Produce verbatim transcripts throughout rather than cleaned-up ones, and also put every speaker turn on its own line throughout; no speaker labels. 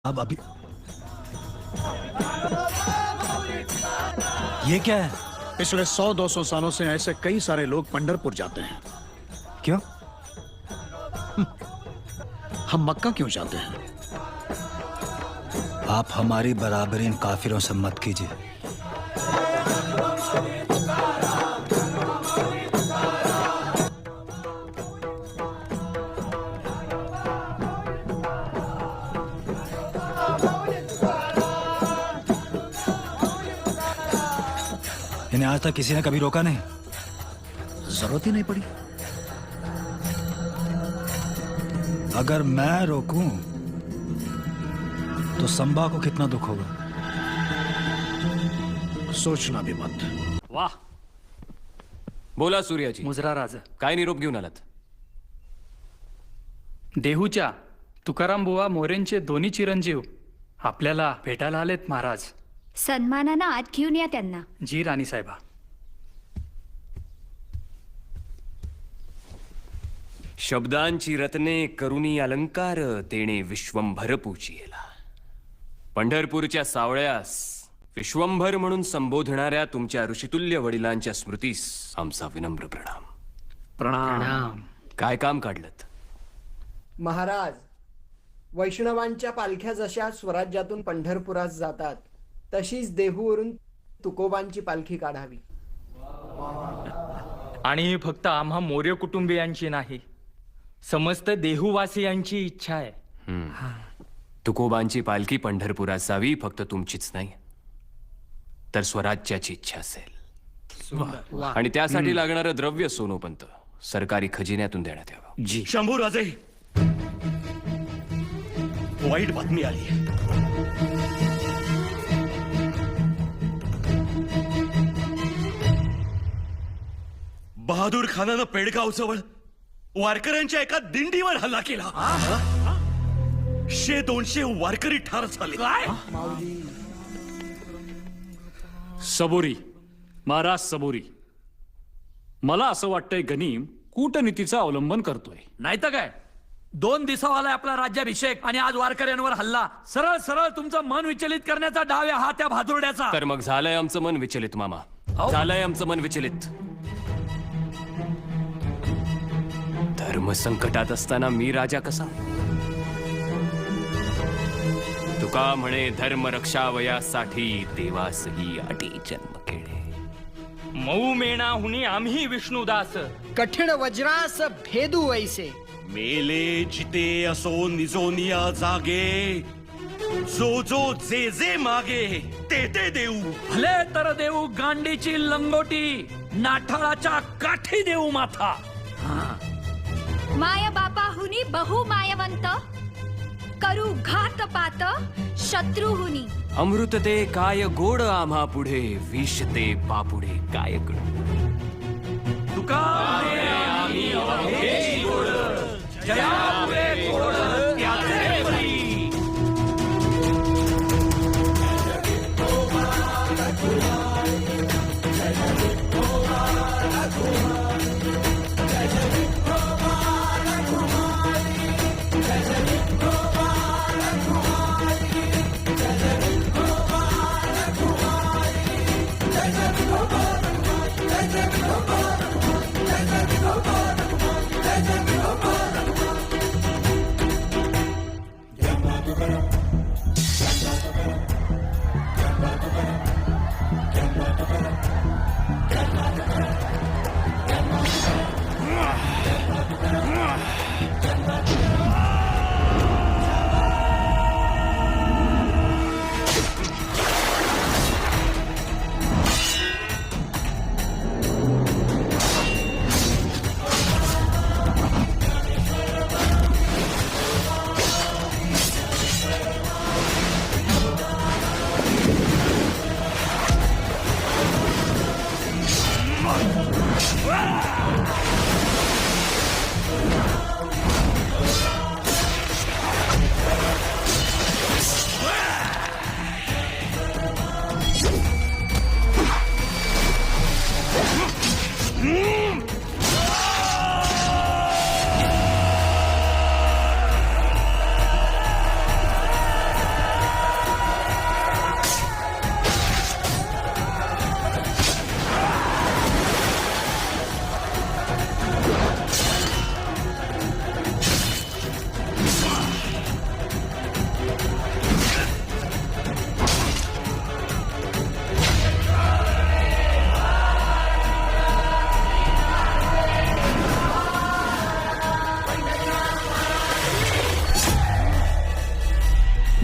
अब अभी ये क्या है?
पिछले सौ दो सौ सालों से ऐसे कई सारे लोग पंढरपुर जाते हैं।
क्यों?
हम मक्का क्यों जाते हैं?
आप हमारी बराबरी इन काफिरों से मत कीजिए। इन्हें आज तक किसी ने कभी रोका नहीं।
जरूरत ही नहीं पड़ी।
अगर मैं रोकूं तो संबा को कितना दुख होगा।
सोचना भी मत।
वाह, बोला सूर्याजी.
मुजरा राजा.
काय निरोप घेऊन आलात?
देहूच्या तुकाराम बुवा मोरेंचे दोन्ही चिरंजीव आपल्याला भेटायला आलेत महाराज.
सन्मानानं आत घेऊन या त्यांना.
जी राणी साहेबा.
शब्दांची रत्ने करुणी अलंकार तेणे विश्वंभर पूजियला. पंढरपूरच्या सावळ्यास विश्वंभर म्हणून संबोधणाऱ्या तुमच्या ऋषितुल्य वडिलांच्या स्मृतीस आमचा विनम्र प्रणाम.
प्रणाम.
काय काम काढलत?
महाराज, वैष्णवांच्या पालख्या जशा स्वराज्यातून पंढरपुरात जातात तशीच देहूवरून तुकोबांची पालखी काढावी.
आणि ही फक्त आम्हा मोर्य कुटुंबियांची नाही, समस्त देहूवासियांची इच्छा आहे.
तुकोबांची पालखी पंढरपुरात जावी फक्त तुमचीच नाही तर स्वराज्याची इच्छा असेल. आणि त्यासाठी लागणारं द्रव्य सोनोपंत सरकारी खजिन्यातून देण्यात यावं.
जी.
शंभूराजे, वाईट बातमी आली. बहादूर खानानं पेडगाव जवळ वारकऱ्यांच्या एका दिंडीवर हल्ला केला. शे दोनशे वारकरी ठार झाले.
सबुरी, महाराज सबुरी. मला असं वाटतंय गनीम कूटनीतीचं अवलंबन करतोय.
नाही तर काय, दोन दिवसावाला आपला राज्याभिषेक आणि आज वारकऱ्यांवर हल्ला. सरळ सरळ तुमचं मन विचलित करण्याचा डाव आहे हा त्या भादुरड्याचा.
तर मग झालंय आमचं मन विचलित मामा. झालंय आमचं मन विचलित. धर्म संकटात असताना मी राजा कसा? तुका म्हणे धर्म रक्षावयासाठी देवासही अटी जन्म केले.
मऊ मेणा हुनी आम्ही विष्णुदास.
कठीण वज्रास भेदू वैसे.
मेले जिते असो निजोनिया जागे. जो जो जे जे मागे ते ते देऊ.
भले तर देऊ गांडीची लंगोटी, नाठाळाच्या काठी देऊ माथा.
माय बापाहुनी बहु मायवंत, करू घात पात शत्रुहुनी.
अमृत ते काय गोड आम्हा पुढे, विष ते पापुढे काय कडू.
तुका आम्ही अवघे गोड, जयापुरे गोड त्याचे बळी.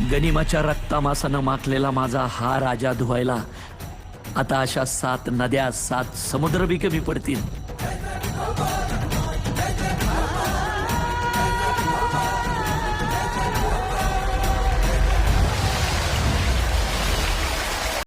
गनिमाच्या रक्तामासानं माखलेला माझा हा राजा धुवायला आता अशा सात नद्या सात समुद्र बी कमी पडतील.